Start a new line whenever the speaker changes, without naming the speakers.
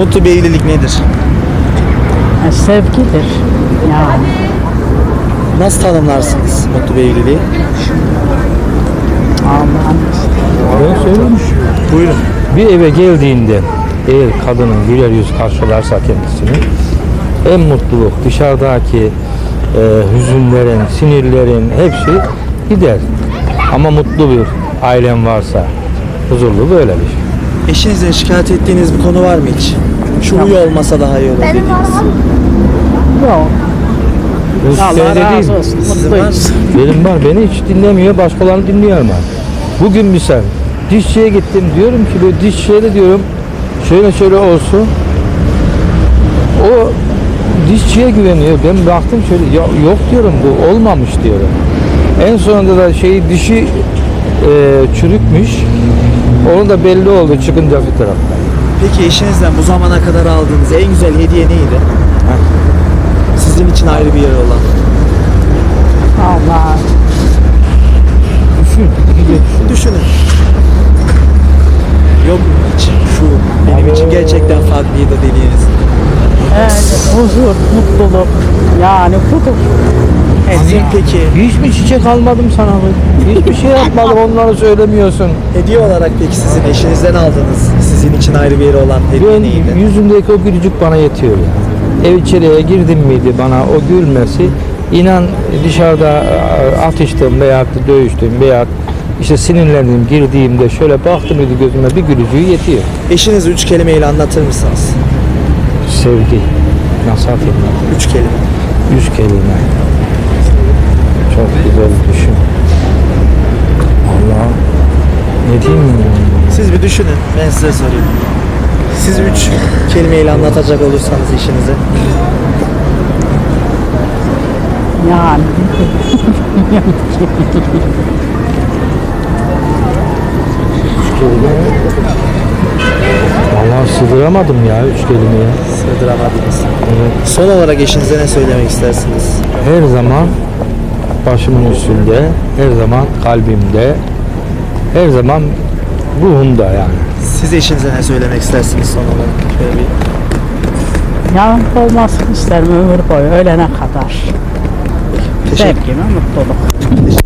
Mutlu bir evlilik nedir?
Sevgidir. Yani
Nasıl tanımlarsınız mutlu bir evliliği?
Allah'ın
Ben söyleyeyim.
Buyurun.
Bir eve geldiğinde eğer kadının güler yüz karşılarsa kendisini en mutluluk dışarıdaki hüzünlerin, sinirlerin hepsi gider. Ama mutlu bir ailen varsa huzurlu böyle bir şey.
Eşinizle şikayet ettiğiniz bir konu var mı hiç? Şu huyu olmasa daha iyi olur dediğiniz.
yok.
Bu
Allah
söylediğim-
razı olsun.
Sizin var mı?
Mutluyuz.
Benim var, beni hiç dinlemiyor, başkalarını dinliyor ama. Bugün misal dişçiye gittim, diyorum ki böyle dişçiye de diyorum şöyle şöyle olsun. O dişçiye güveniyor. Ben baktım şöyle yok diyorum, bu olmamış diyorum. En sonunda da dişi çürükmüş. Onu da belli oldu çıkınca bir taraftan.
Peki eşinizden bu zamana kadar aldığınız en güzel hediye neydi? Sizin için ayrı bir yeri olan.
Allah.
Düşün,
Düşünün. Yok mu hiç? Şu benim için gerçekten farklıydı dediğiniz.
Huzur, mutluluk. Yani budur.
Sizin peki
Hiç mi çiçek almadım sana mı? Hiçbir şey yapmadım, onları söylemiyorsun.
hediye olarak peki sizin eşinizden aldığınız sizin için ayrı bir yeri olan hediye
Ben
neydi?
yüzümdeki o gülücük bana yetiyor ya. Ev içeriye girdim miydi bana o gülmesi, inan dışarıda atıştım veya dövüştüm veya işte sinirlendim girdiğimde şöyle baktım mıydı gözüme bir gülücüğü yetiyor.
Eşinizi 3 kelimeyle anlatır mısınız?
Sevgi. Nasıl atayım?
3 kelime.
100 kelime. Çok güzel düşün. Allah. Ne diyeyim ya?
Siz bir düşünün. Ben size sorayım. Siz 3 kelimeyle anlatacak olursanız eşinize.
Yani.
Vallahi sığdıramadım ya 3 kelimeye.
Sığdıramadınız.
Evet.
Son olarak eşinize ne söylemek istersiniz?
Her zaman başımın üstünde, her zaman kalbimde, her zaman ruhumda yani.
Siz eşinize ne söylemek istersiniz son olarak? Şöyle bir
Yanımda olmasını isterim ömür boyu ölene kadar.
teşekkür
Sevgi ve mutluluk.